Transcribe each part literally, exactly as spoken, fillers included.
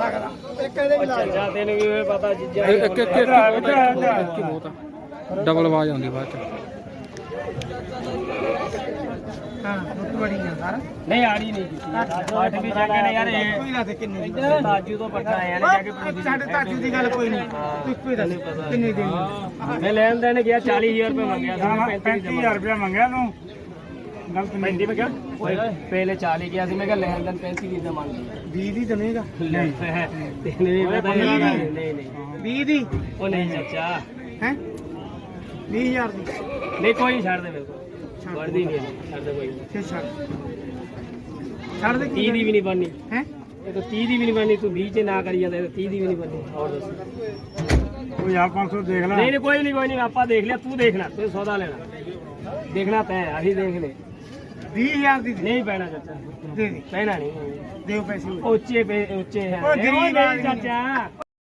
ਸਕਦਾ ਇੱਕ ਇਹਦੇ ਵੀ ਲਾ ਚੱਜਾ ਤੈਨੂੰ ਵੀ ਪਤਾ ਚੀਜ਼ਾਂ ਇੱਕ ਇੱਕ ਇੱਕ ਇੱਕ ਬਹੁਤ ਆ ਡਬਲ ਆਵਾਜ਼ ਆਉਂਦੀ ਬਾਅਦ ਚ ਹਾਂ ਦੁੱਧ ਬੜੀ ਆ ਸਾਰਾ ਨਹੀਂ ਆੜੀ ਨਹੀਂ ਕੀਤੀ ਅੱਠ ਵੀ ਜਾ ਕੇ ਨੇ ਯਾਰ ਇਹ ਕੋਈ ਨਾ ਤੇ ਕਿੰਨੇ ਦੀ ਤਾਜੂ ਤੋਂ ਪੱਕਾ ਆਇਆ ਨੇ ਜਾ ਕੇ ਸਾਡੇ ਤਾਜੂ ਦੀ ਗੱਲ ਕੋਈ ਨਹੀਂ ਤੂੰ ਇੱਕੋ ਹੀ ਦੱਸ ਕਿੰਨੇ ਦੇਣੀ ਮੈਂ ਲੈਣ ਦੇਣ ਗਿਆ ਚਾਲੀ ਹਜ਼ਾਰ ਰੁਪਏ ਮੰਗਿਆ ਸੀ ਪੈਂਤੀ ਹਜ਼ਾਰ ਰੁਪਇਆ ਮੰਗਿਆ ਤੂੰ ਗਲਤ ਪੈਂਤੀ ਮੈਂ ਕਿਹਾ ਪਹਿਲੇ ਚਾਲੀ ਗਿਆ ਸੀ ਮੈਂ ਕਿਹਾ ਲੈਣ ਦੇਣ ਪੈਂਤੀ ਦੀ ਮੰਗ ਲਈ ਵੀਹ ਦੀ ਦਵੇਂਗਾ ਤੈਨੂੰ ਵੀ ਪਤਾ ਨਹੀਂ ਨਹੀਂ ਨਹੀਂ ਵੀਹ ਦੀ ਉਹ ਨਹੀਂ ਚਾਚਾ ਹੈ ਵੀਹ ਹਜ਼ਾਰ ਦੀ ਨਹੀਂ ਕੋਈ ਛੱਡ ਦੇ ਮੇਰੇ ਕੋਲ ਵਰਦੀ ਨਹੀਂ ਛੱਡ ਦੇ ਕੋਈ ਫਿਰ ਛੱਡ ਛੱਡ ਦੇ ਤੀਹ ਦੀ ਵੀ ਨਹੀਂ ਬਣਨੀ ਹੈ ਇਹ ਤਾਂ ਤੀਹ ਦੀ ਵੀ ਨਹੀਂ ਬਣਨੀ ਤੂੰ ਵੀਹ ਚ ਨਾ ਕਰੀ ਜਾਂਦਾ ਇਹ ਤੀਹ ਦੀ ਵੀ ਨਹੀਂ ਬਣਨੀ ਹੋਰ ਦੱਸ ਕੋਈ ਆ ਪੰਜ ਸੌ ਦੇਖ ਲੈ ਨਹੀਂ ਨਹੀਂ ਕੋਈ ਨਹੀਂ ਕੋਈ ਨਹੀਂ ਆਪਾਂ ਦੇਖ ਲਿਆ ਤੂੰ ਦੇਖਣਾ ਤੂੰ ਸੌਦਾ ਲੈਣਾ ਦੇਖਣਾ ਤੈਂ ਅਸੀਂ ਦੇਖ ਲੈ ਵੀਹ ਹਜ਼ਾਰ ਦੀ ਦੇ ਨਹੀਂ ਪੈਣਾ ਚਾਚਾ ਦੇ ਦੇ ਪੈਣਾ ਨਹੀਂ ਦਿਓ ਪੈਸੇ ਹੋਰ। ਉੱਚੇ ਪੇ ਉੱਚੇ ਹੈ ਓਏ ਗਰੀਬ ਨਹੀਂ ਚਾਚਾ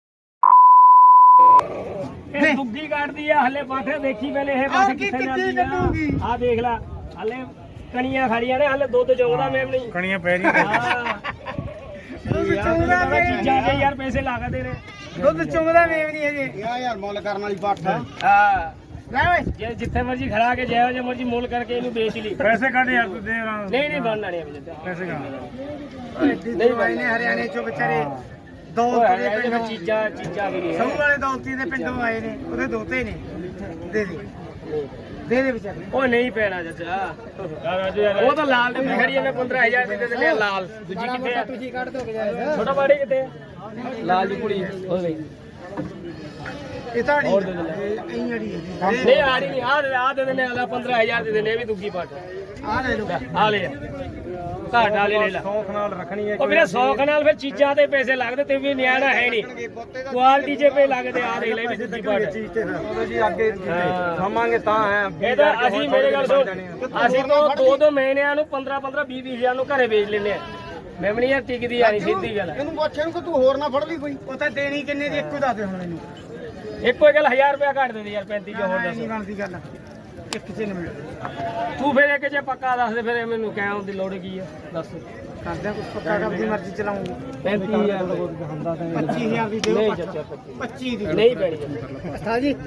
ਇਹ ਦੁੱਗੀ ਕੱਢਦੀ ਆ ਹਲੇ ਪਾਠੇ ਦੇਖੀ ਪਹਿਲੇ ਇਹ ਆਹ ਪਾਠੇ ਕੀ ਕਿੱਥੇ ਕਿੱਥੇ ਜਾਂਦੀ ਕੱਢੂਗੀ? ਆ ਆ ਦੇਖ ਲੈ ਹਲੇ ਕਣੀਆਂ ਖੜੀਆਂ ਨੇ ਹਲੇ ਦੁੱਧ ਚੋਗਦਾ ਮੈਮ ਨਹੀਂ ਕਣੀਆਂ ਪੈ ਰਹੀਆਂ ਹਾਂ ਦੁੱਧ ਚੁੰਗਦਾ ਯਾਰ ਵੇਚ ਚੀਜ਼ਾਂ ਦੇ ਯਾਰ ਪੈਸੇ ਲਾਗਦੇ ਨੇ ਦੁੱਧ ਚੁੰਗਦਾ ਵੇਚ ਨਹੀਂ ਹਜੇ ਯਾਰ ਯਾਰ ਮੁੱਲ ਕਰਨ ਵਾਲੀ ਬੱਠ ਹੈ ਹਾਂ ਲੈ ਓਏ ਜੇ ਜਿੱਥੇ ਮਰਜੀ ਖੜਾ ਕੇ ਜਿਹੋ ਜਿਹੇ ਮਰਜੀ ਮੁੱਲ ਕਰਕੇ ਇਹਨੂੰ ਵੇਚ ਲਈ ਪੈਸੇ ਕੱਢ ਯਾਰ ਤੂੰ ਦੇ ਰਹਾ ਨਹੀਂ ਨਹੀਂ ਬਣਨਾ ਨਹੀਂ ਅਭੀ ਪੈਸੇ ਕੱਢ ਨਹੀਂ ਭਾਈ ਨੇ ਹਰਿਆਣੇ ਚੋਂ ਵਿਚਾਰੇ ਦੌਲਤ ਦੇ ਇਹ ਪਿੰਡੋਂ ਚੀਜ਼ਾਂ ਚੀਜ਼ਾਂ ਵੀ ਨਹੀਂ ਸਭ ਵਾਲੇ ਦੌਲਤੀ ਦੇ ਪਿੰਡੋਂ ਆਏ ਨੇ ਉਹਦੇ ਦੋਤੇ ਨੇ ਦੇ ਦੇ ਦੇ ਦੇ ਵਿਚਾਰੇ ਉਹ ਨਹੀਂ ਪੈਣਾ ਚਾਚਾ ਉਹ ਤਾਂ ਲਾਲ ਡੱਬੀ ਖੜੀ ਹੈ ਮੈਂ ਪੰਦਰਾਂ ਹਜ਼ਾਰ ਦੀ ਦੇ ਦਿੰਦੇ ਆ ਲਾਲ ਦੂਜੀ ਕਿੱਥੇ ਆ ਤੁਸੀਂ ਕੱਢ ਦੋ ਗਜਾਇ ਛੋਟਾ ਬਾੜੀ ਕਿੱਥੇ ਆ? ਲਾਲ ਦੀ ਕੁੜੀ ਉਹ ਨਹੀਂ ਇਹ ਤਾਂ ਹੋਰ ਦੇ ਦੇ ਨਹੀਂ ਅੜੀ ਹੈ ਨਹੀਂ ਆ ਰਹੀ ਨਹੀਂ ਆ ਆ ਦੇ ਦਿੰਦੇ ਆ ਪੰਦਰਾਂ ਹਜ਼ਾਰ ਦੇ ਦਿੰਦੇ ਇਹ ਵੀ ਦੁੱਗੀ ਪਾਟ ਆ ਲੈ ਲਓ ਆ ਲੈ ਘਾਟ ਵਾਲੇ ਲੈ ਲਾ ਸੌਖ ਨਾਲ ਰੱਖਣੀ ਹੈ ਉਹ ਵੀਰੇ ਸੌਖ ਨਾਲ ਫਿਰ ਚੀਜ਼ਾਂ ਤੇ ਪੈਸੇ ਲੱਗਦੇ ਤੇ ਵੀ ਨਿਆਣਾ ਹੈ ਨਹੀਂ ਕੁਆਲਿਟੀ ਜੇ ਪੇ ਲੱਗਦੇ ਆ ਦੇਖ ਲੈ ਵੀ ਦੁੱਗੀ ਪਾਟ ਚੀਜ਼ ਤੇ ਫਿਰ ਜੀ ਅੱਗੇ ਖਾਵਾਂਗੇ ਤਾਂ ਹੈ ਇਹ ਤਾਂ ਅਸੀਂ ਮੇਰੇ ਗੱਲ ਸੁਣ ਅਸੀਂ ਤਾਂ ਦੋ ਦੋ ਮਹੀਨਿਆਂ ਨੂੰ ਪੰਦਰਾਂ ਪੰਦਰਾਂ ਵੀਹ ਵੀਹ ਹਜ਼ਾਰ ਨੂੰ ਘਰੇ ਵੇਚ ਲੈਂਦੇ ਆ ਮੈਮਣੀ ਯਾਰ ਟਿਕਦੀ ਆ ਨਹੀਂ ਸਿੱਧੀ ਗੱਲ ਇਹਨੂੰ ਪੁੱਛ ਇਹਨੂੰ ਕਿ ਤੂੰ ਹੋਰ ਨਾ ਫੜ ਲਈ ਕੋਈ ਉਹ ਤਾਂ ਦੇਣੀ ਕਿੰਨੇ ਦੀ ਇੱਕੋ ਦੱਸ ਦੇ ਹੁਣ ਮੈਨੂੰ ਇੱਕੋ ਗੱਲ ਹਜ਼ਾਰ ਰੁਪਇਆ ਘੱਟ ਦੇ ਦੇ ਯਾਰ ਪੈਂਤੀ ਜੋ ਹੋਰ ਨਹੀਂ ਦੱਸ ਬਣਦੀ ਗੱਲ ਇੱਕ ਚ ਨਹੀਂ ਤੂੰ ਫਿਰ ਇੱਕ ਜੇ ਪੱਕਾ ਦੱਸ ਦੇ ਫਿਰ ਮੈਨੂੰ ਕਹਿਣ ਦੀ ਲੋੜ ਕੀ ਆ ਦੱਸ ਕਰਦੇ ਕੁਝ ਪੱਕਾ ਆਪਣੀ ਮਰਜ਼ੀ ਚਲਾਉਂਗੀ ਪੈਂਤੀ ਹਜ਼ਾਰ ਦਾ ਬਹੁਤ ਹੁੰਦਾ ਤਾਂ ਪੱਚੀ ਹਜ਼ਾਰ ਦੀ ਦਿਓ ਨਹੀਂ ਪੱਠ। ਚਾਚਾ ਪੱਚੀ ਦੀ ਨਹੀਂ ਪੈਣੀ ਅਸਤਾ ਜੀ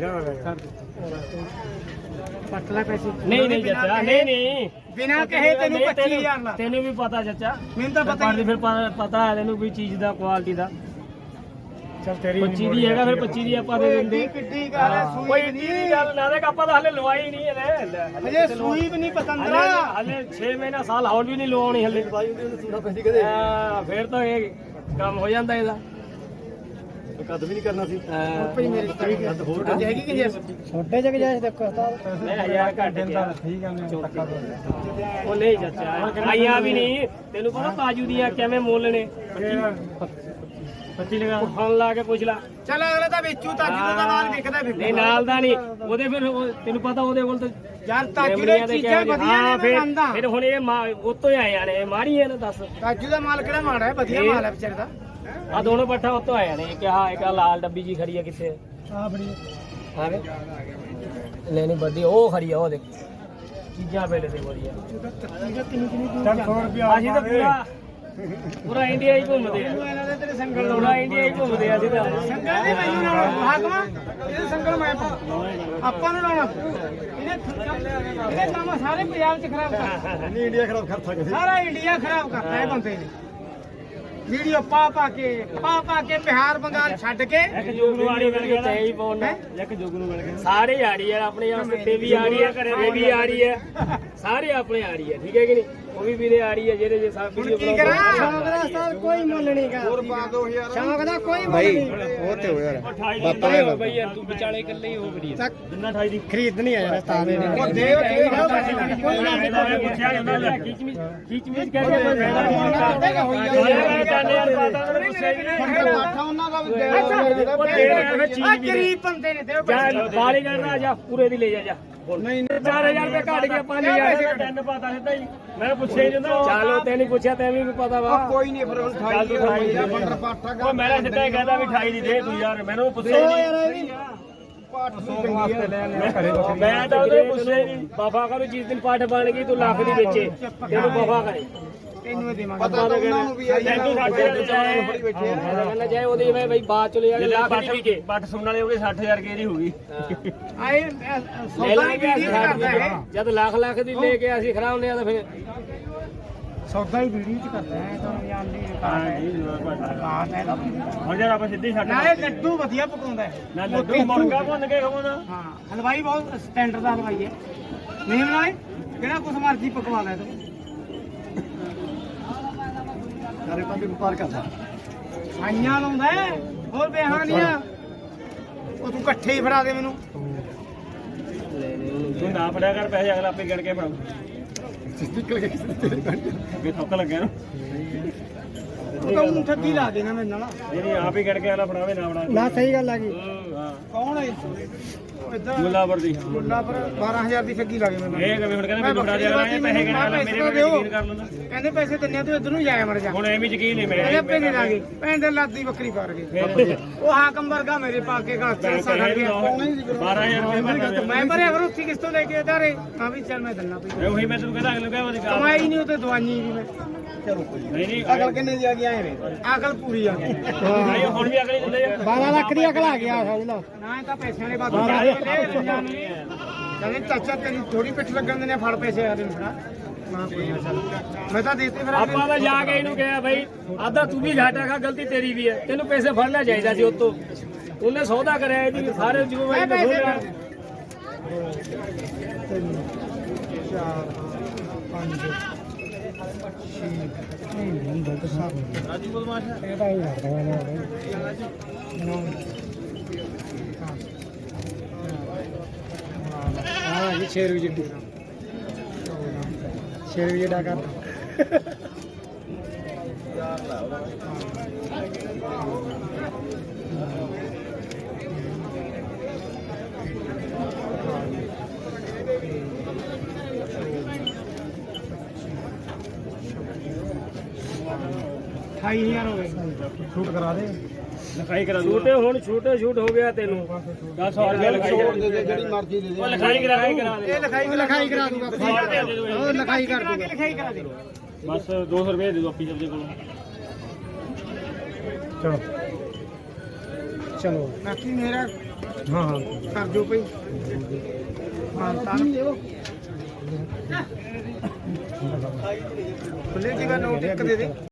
ਪੱਟ ਲੈ ਪੈਸੇ ਨਹੀਂ ਨਹੀਂ ਚਾਚਾ ਨਹੀਂ ਨਹੀਂ ਬਿਨਾ ਕਹੇ ਤੈਨੂੰ ਪੱਚੀ ਹਜ਼ਾਰ ਲਾ ਤੈਨੂੰ ਵੀ ਪਤਾ ਚਾਚਾ ਮੈਨੂੰ ਤਾਂ ਪਤਾ ਹੀ ਫਿਰ ਪ- ਪਤਾ ਹੈ ਤੈਨੂੰ ਕੋਈ ਚੀਜ਼ ਦਾ ਕੁਆਲਿਟੀ ਦਾ ਚਲ ਤੇਰੀ ਪੱਚੀ ਦੀ ਹੈਗਾ ਫਿਰ ਪੱਚੀ ਦੀ ਆਪਾਂ ਦੇ ਦਿੰਦੇ ਕਿੱਡੀ ਗੱਲ ਹੈ ਸੂਈ ਕੋਈ ਵੀ ਏਡੀ ਨਹੀਂ ਗੱਲ ਨਾ ਦੇਖ ਆਪਾਂ ਤਾਂ ਹਲੇ ਲਵਾਈ ਨਹੀਂ ਹੈ ਲੈ ਹਜੇ ਸੂਈ ਵੀ ਨਹੀਂ ਪਤੰਦਰਾ ਹਲੇ ਛੇ ਮਹੀਨਾ ਸਾਲ ਹੋਰ ਵੀ ਨਹੀਂ ਲਵਾਉਣੀ ਹਲੇ ਸੂਣਾ ਪੈਂਦੀ ਕਦੇ ਹਾਂ ਫਿਰ ਤਾਂ ਇਹ ਕੰਮ ਹੋ ਜਾਂਦਾ ਇਹਦਾ ਕਦ ਵੀ ਨਹੀਂ ਕਰਨਾ ਸੀ ਭਈ ਮੇਰੇ ਕੱਦ ਹੋਰ ਹੈਗੀ ਕਿ ਜੈਸ ਛੋਟੇ ਜਗ ਜਾਇ ਦੇਖੋ ਉਸਤਾਦ ਮੈਂ ਹਜ਼ਾਰ ਘੱਟ ਗਿਆ ਠੀਕ ਹੈ ਮੈਂ ਪੱਕਾ ਉਹ ਨਹੀਂ ਚਾਚਾ ਆਈਆਂ ਵੀ ਨਹੀਂ ਤੈਨੂੰ ਪਤਾ ਤਾਜੂ ਦੀਆਂ ਕਿਵੇਂ ਮੁੱਲ ਨੇ ਪੱਚੀ ਲਗਾ ਫੋਨ ਲਾ ਕੇ ਪੁੱਛ ਲਾ ਚੱਲ ਅਗਲੇ ਤਾਂ ਵੇਚੂ ਤਾਜੂ ਦਾ ਮਾਲ ਵਿਕਦਾ ਫਿਰ ਨਹੀਂ ਨਾਲ ਦਾ ਨਹੀਂ ਉਹਦੇ ਫਿਰ ਉਹ- ਤੈਨੂੰ ਪਤਾ ਉਹਦੇ ਕੋਲ ਤਾਂ ਯਾਰ ਤਾਜੂ ਦੇ ਚੀਜ਼ਾਂ ਵਧੀਆ ਨੇ ਮੈਂ ਫਿਰ ਮੰਨਦਾ ਫਿਰ ਹੁਣ ਇਹ ਉਤੋਂ ਹੀ ਆਏ ਨੇ ਮਾਰੀ ਨਾ ਦੱਸ ਤਾਜੂ ਦਾ ਮਾਲ ਕਿਹੜਾ ਮਾੜਾ ਹੈ ਵਧੀਆ ਮਾਲ ਹੈ ਵਿਚਾਰੇ ਦਾ ਆ ਦੋਨੋਂ ਪੱਠਾ ਉਤੋਂ ਆਏ ਨੇ ਇੱਕ ਆ ਇੱਕ ਆਹ ਲਾਲ ਡੱਬੀ ਜੀ ਖੜੀ ਆ ਕਿੱਥੇ ਆ ਬੜੀ ਹਾਂ ਵੇ ਲੈਣੀ ਵੱਡੀ ਉਹ ਖੜੀ ਆ ਉਹ ਦੇਖ ਚੀਜ਼ਾਂ ਵੇਲੇ ਦੀ ਵਧੀਆ ਚੱਲ ਸੌ ਰੁਪਇਆ ਅਸੀਂ ਤਾਂ ਪੂਰਾ ਪੂਰਾ ਇੰਡੀਆ ਹੀ ਘੁੰਮਦੇ ਆ ਇਹਨਾਂ ਦੇ ਤੇਰੇ ਸੰਗਲ ਪੂਰਾ ਇੰਡੀਆ ਹੀ ਘੁੰਮਦੇ ਆ ਅਸੀਂ ਤਾਂ ਸੰਗਲ ਦੇ ਮੈਨੂੰ ਨਾਲ ਹਾਕਮਾ ਇਹ ਸੰਗਲ ਮੈਂ ਪਾਉਂ ਆਪਾਂ ਨੂੰ ਲਾਉਣਾ ਇਹਨੇ ਇਹਨੇ ਕੰਮ ਸਾਰੇ ਪੰਜਾਬ ਚ ਖਰਾਬ ਕਰਤਾ ਨਹੀਂ ਇੰਡੀਆ ਖਰਾਬ ਕਰ ਸਕਦੇ ਸਾਰਾ ਇੰਡੀਆ ਖਰਾਬ ਕਰਤਾ ਹੈ ਬੰਦੇ ਨੇ ਵੀਡੀਓ ਪਾ ਪਾ ਕੇ ਪਾ ਪਾ ਕੇ ਬਿਹਾਰ ਬੰਗਾਲ ਛੱਡ ਕੇ ਇੱਕ ਜੋਗ ਨੂੰ ਆੜੀ ਮਿਲ ਗਿਆ ਤੇ ਹੀ ਪਾਉਣਾ ਇੱਕ ਜੋਗ ਨੂੰ ਮਿਲ ਗਿਆ ਸਾਰੇ ਆੜੀ ਆ ਆਪਣੇ ਵਾਸਤੇ ਤੇ ਵੀ ਆੜੀ ਆ ਇਹ ਵੀ ਆੜੀ ਆ ਸਾਰੇ ਆਪਣੇ ਆੜੀ ਆ ਠੀਕ ਹੈ ਕਿ ਨਹੀਂ ਉਹ ਵੀ ਵੀਰੇ ਆੜੀ ਆ ਜਿਹੜੇ ਜੇ ਸਭ ਵੀਡੀਓ ਕੀ ਕਰਾਂ ਸ਼ੌਕ ਦਾ ਸਾਲ ਕੋਈ ਮੁੱਲ ਨਹੀਂਗਾ ਹੋਰ ਪਾ ਦੋ ਯਾਰ ਸ਼ੌਕ ਦਾ ਕੋਈ ਮੁੱਲ ਨਹੀਂ ਉਹ ਤੇ ਹੋ ਯਾਰ ਬਾਪਾ ਨੇ ਬਈ ਯਾਰ ਤੂੰ ਵਿਚਾਲੇ ਇਕੱਲੇ ਹੀ ਹੋ ਗੜੀ ਜਿੰਨਾ ਅਠਾਈ ਦੀ ਖਰੀਦ ਨਹੀਂ ਆਇਆ ਤਾਂ ਦੇ ਉਹ ਦੇ ਕੋਈ ਨਾ ਪੁੱਛਿਆ ਜਾਂਦਾ ਲੈ ਖਿੱਚ ਮਿਚ ਖਿੱਚ ਮਿਚ ਕਰਕੇ ਕੋਈ ਫਾਇਦਾ ਨਹੀਂ ਜਾਣੇ ਯਾਰ ਪਤਾ ਨਹੀਂ ਗੁੱਸੇ ਵੀ ਨਹੀਂ ਪਾਠਾ ਉਹਨਾਂ ਦਾ ਵੀ ਦੇ ਆ ਗਰੀਬ ਬੰਦੇ ਨੇ ਦੇ ਜਾ ਬਾਲੀ ਕਰਨਾ ਜਾ ਪੂਰੇ ਦੀ ਲੈ ਜਾ ਜਾ ਨਹੀਂ ਚਾਰ ਹਜ਼ਾਰ ਰੁਪਏ ਘੱਟ ਗਿਆ ਪੰਜ ਹਜ਼ਾਰ ਤਿੰਨ ਪਤਾ ਸਿੱਧਾ ਹੀ ਮੈਂ ਪੁੱਛਿਆ ਹੀ ਜਾਂਦਾ ਚਲੋ ਤੈਨੂੰ ਪੁੱਛਿਆ ਤੈਨੂੰ ਵੀ ਪਤਾ ਵਾ ਕੋਈ ਨਹੀਂ ਫਿਰ ਅਠਾਈ ਦੀ ਬੰਦਰ ਪਾਠਾ ਉਹ ਮੈਂ ਸਿੱਧਾ ਹੀ ਕਹਿੰਦਾ ਵੀ ਅਠਾਈ ਦੀ ਦੇ ਤੂੰ ਯਾਰ ਮੈਨੂੰ ਪੁੱਛਿਆ ਹੀ ਨਹੀਂ ਮੈਂ ਤਾਂ ਉਹਦੇ ਪੁੱਛਿਆ ਹੀ ਨਹੀਂ ਵਫਾ ਕਰੂ ਜਿਸ ਦਿਨ ਪਾਠ ਬਣ ਗਈ ਤੂੰ ਲੱਖ ਦੀ ਵੇਚੇ ਤੈਨੂੰ ਵਫਾ ਕਰੇ ਤੈਨੂੰ ਇਹ ਦੇਵਾਂਗੇ ਪਤਾ ਤਾਂ ਉਹਨਾਂ ਨੂੰ ਵੀ ਹੈ ਤੈਨੂੰ ਸਾਡੇ ਨਾਲ ਚਾਹੇ ਫੜੀ ਬੈਠੇ ਆ ਕਹਿੰਦਾ ਚਾਹੇ ਉਹਦੀ ਵੇ ਬਈ ਬਾਅਦ ਚ ਲੈ ਜਾਣੇ ਲੱਖ ਦੀ ਵੀ ਕੇ ਬੱਟ ਸੁਣਨ ਵਾਲੇ ਉਹਦੇ ਸੱਠ ਹਜ਼ਾਰ ਕੇ ਦੀ ਹੋਊਗੀ ਆਏ ਲੈ ਸੌਦਾ ਲਾਂਗੇ ਹੀ ਵੀਡੀਓ ਕਰਦਾ ਹੈ ਜਦ ਲੱਖ ਲੱਖ ਦੀ ਲੈ ਕੇ ਅਸੀਂ ਖਰਾਉਂਦੇ ਆ ਤਾਂ ਫਿਰ ਸੌਦਾ ਹੀ ਵੀਡੀਓ ਚ ਕਰਦਾ ਹੈ ਤਾਂ ਯਾਰ ਨਹੀਂ ਬਾਤ ਹੈ ਹੁਣ ਜਦ ਆਪਾਂ ਸਿੱਧੀ ਛੱਡ ਨਾਲੇ ਲੱਡੂ ਵਧੀਆ ਪਕਾਉਂਦਾ ਹੈ ਨਾ ਲੱਡੂ ਮੁਰਗਾ ਭੁੰਨ ਕੇ ਖਵਾਉਂਦਾ ਹਾਂ ਹਲਵਾਈ ਬਹੁਤ ਸਟੈਂਡਰਡ ਦਾ ਹਲਵਾਈ ਹੈ ਨਹੀਂ ਨਾਲੇ ਕਿਹੜਾ ਕੁਛ ਮਰਜ਼ੀ ਪਕਵਾ ਲੈ ਤੂੰ ਸਾਰੇ ਪਾਸੇ ਵਪਾਰ ਕਰਦਾ ਆਈਆਂ ਲਾਉਂਦਾ ਹੈ, ਹੋਰ ਬਿਹਾਨੀਆਂ ਉਹ ਤੂੰ ਇਕੱਠੇ ਹੀ ਫੜਾ ਦੇ ਮੈਨੂੰ ਤੂੰ ਨਾ ਫੜਿਆ ਕਰ ਪੈਸੇ ਅਗਲਾ ਆਪੇ ਗਿਣ ਕੇ ਫੜਾਉ ਨਿਕਲ ਗਿਆ ਕਿਸੇ ਦੇ ਤੇਰੇ ਕੰਨ ਅੱਗੇ ਥੁੱਕ ਲੱਗਿਆ ਨਾ ਉਹ ਤਾਂ ਊਂ ਠੱਗੀ ਲਾ ਦੇਣਾ ਮੇਰੇ ਨਾਲ ਜਿਹੜੀ ਆਪ ਹੀ ਗਿਣ ਕੇ ਅਗਲਾ ਫੜਾਵੇ ਨਾ ਫੜਾ ਨਾ ਸਹੀ ਗੱਲ ਆ ਗਈ ਹਾਂ ਕੌਣ ਹੈ ਉਹ ਇਦਾਂ ਮੁੱਲਾਪੁਰ ਦੀ ਮੁੱਲਾ ਪਰ ਬਾਰਾਂ ਹਜ਼ਾਰ ਦੀ ਠੱਗੀ ਲਾ ਗਏ ਮੈਨੂੰ ਇਹ ਕਿਵੇਂ ਹੁਣ ਕਹਿੰਦੇ ਮੈਨੂੰ ਫੜਾ ਦਿਆ ਕਰਾਂਗੇ ਪੈਸੇ ਗਿਣ ਕੇ ਮੇਰੇ ਕੋਲ ਯਕੀਨ ਕਰ ਲੈਂਦਾ ਕਹਿੰਦੇ ਪੈਸੇ ਦਿੰਨੇ ਤੂੰ ਇਧਰ ਨੂੰ ਜਾਇਆ ਮਰ ਜਾ ਹੁਣ ਐਵੇਂ ਯਕੀਨ ਨਹੀਂ ਮੇਰੇ ਇਹਦੇ ਪੈਸੇ ਲਾ ਗਏ ਭੈਣ ਦੇ ਲਾਦੀ ਬੱਕਰੀ ਪਾਰ ਗਏ ਉਹ ਹਾਕਮ ਵਰਗਾ ਮੇਰੇ ਪਾ ਕੇ ਘਰ ਚ ਸਾਡਾ ਗਿਆ ਬਾਰਾਂ ਹਜ਼ਾਰ ਰੁਪਏ ਭਰਨਾ ਮੈਂ ਭਰਿਆ ਫਿਰ ਉੱਥੇ ਕਿਸ ਤੋਂ ਲੈ ਕੇ ਇਧਾਰੇ ਹਾਂ ਵੀ ਚੱਲ ਮੈਂ ਦਿੰਨਾ ਪਈ ਉਹੀ ਮੈਂ ਤੈਨੂੰ ਕਹਿੰਦਾ ਅਗਲੇ ਕਹਿੰਦਾ ਕਮਾਈ ਨਹੀਂ ਉਤੇ ਦਵਾਈ ਵੀ ਮੈਂ ਚਲੋ ਨਹੀਂ ਨਹੀਂ ਅਕਲ ਕਿੰਨੇ ਦੀ ਆ ਗਈ ਆਏ ਵੇ ਅਕਲ ਪੂਰੀ ਆ ਗਈ ਨਹੀਂ ਹੁਣ ਵੀ ਅਗਲੇ ਦਿੰਦੇ ਆ ਬਾਰਾਂ ਲੱਖ ਦੀ ਅਕਲ ਆ ਗਿਆ ਸਮਝ ਲਾ ਨਾ ਇਹ ਤਾਂ ਪੈਸਿਆਂ ਦੇ ਬਾਅਦ ਕਹਿੰਦੇ ਚਾਚਾ ਤੇਰੀ ਥੋੜੀ ਪਿੱਠ ਲੱਗਣ ਦੇ ਨੇ ਫੜ ਪੈਸੇ ਆ ਦੇ ਫੜਾ ਮੈਂ ਕੋਈ ਨਾ ਚੱਲ ਮੈਂ ਤਾਂ ਦੇਤੇ ਫਿਰ ਆਪਾਂ ਤਾਂ ਜਾ ਕੇ ਇਹਨੂੰ ਕਿਹਾ ਭਾਈ ਆਦਾ ਤੂੰ ਵੀ ਘਾਟਾ ਖਾ ਗਲਤੀ ਤੇਰੀ ਵੀ ਹੈ ਤੈਨੂੰ ਪੈਸੇ ਫੜਨਾ ਚਾਹੀਦਾ ਸੀ ਉਤੋਂ ਉਹਨੇ ਸੌਦਾ ਕਰਿਆ ਇਹਦੀ ਸਾਰੇ ਜ਼ਿੰਮੇਵਾਰੀ ਨੂੰ ਖੋਲਿਆ ਚਾਰ ਪੰਜ ਰਾਜੂ ਬਦਮਾਸ਼ ਇਹ ਤਾਂ ਹੀ ਲੱਗਦਾ ਮੈਨੂੰ ਹਾਂ ਜੀ ਛੇ ਰੁਪਏ ਜਿੱਡੀ ਛੇ ਰੁਪਏ ਦਾ ਕਰ ਅਠਾਈ ਹਜ਼ਾਰ ਹੋ ਗਏ ਸ਼ੂਟ ਕਰਾ ਦੇ ਲਿਖਾਈ ਕਰਾ ਦੂੰ ਛੋਟੇ ਹੁਣ ਛੋਟੇ ਛੂਟ ਹੋ ਗਿਆ ਤੈਨੂੰ ਦਸ ਸੌ ਰੁਪਏ ਲਿਖਾਈ ਜਿਹੜੀ ਮਰਜ਼ੀ ਦੇ ਦੇ ਉਹ ਲਿਖਾਈ ਕਰਾ ਕਰਾ ਦੇ ਇਹ ਲਿਖਾਈ ਲਿਖਾਈ ਕਰਾ ਦੂੰਗਾ ਉਹ ਲਿਖਾਈ ਕਰ ਦੂੰਗਾ ਲਿਖਾਈ ਕਰਾ ਦੇ ਬਸ ਦੋ ਸੌ ਰੁਪਏ ਦੇ ਦੋ ਆਪੀ ਜਲਦੀ ਕੋਲ ਚਲੋ ਚਲੋ ਬਾਕੀ ਮੇਰਾ ਹਾਂ ਹਾਂ ਕਰ ਦਿਓ ਭਈ ਹਾਂ ਤਾਂ ਖੁੱਲੇ ਦੀ ਗੱਲ ਨੋਟ ਇੱਕ ਦੇ ਦੇ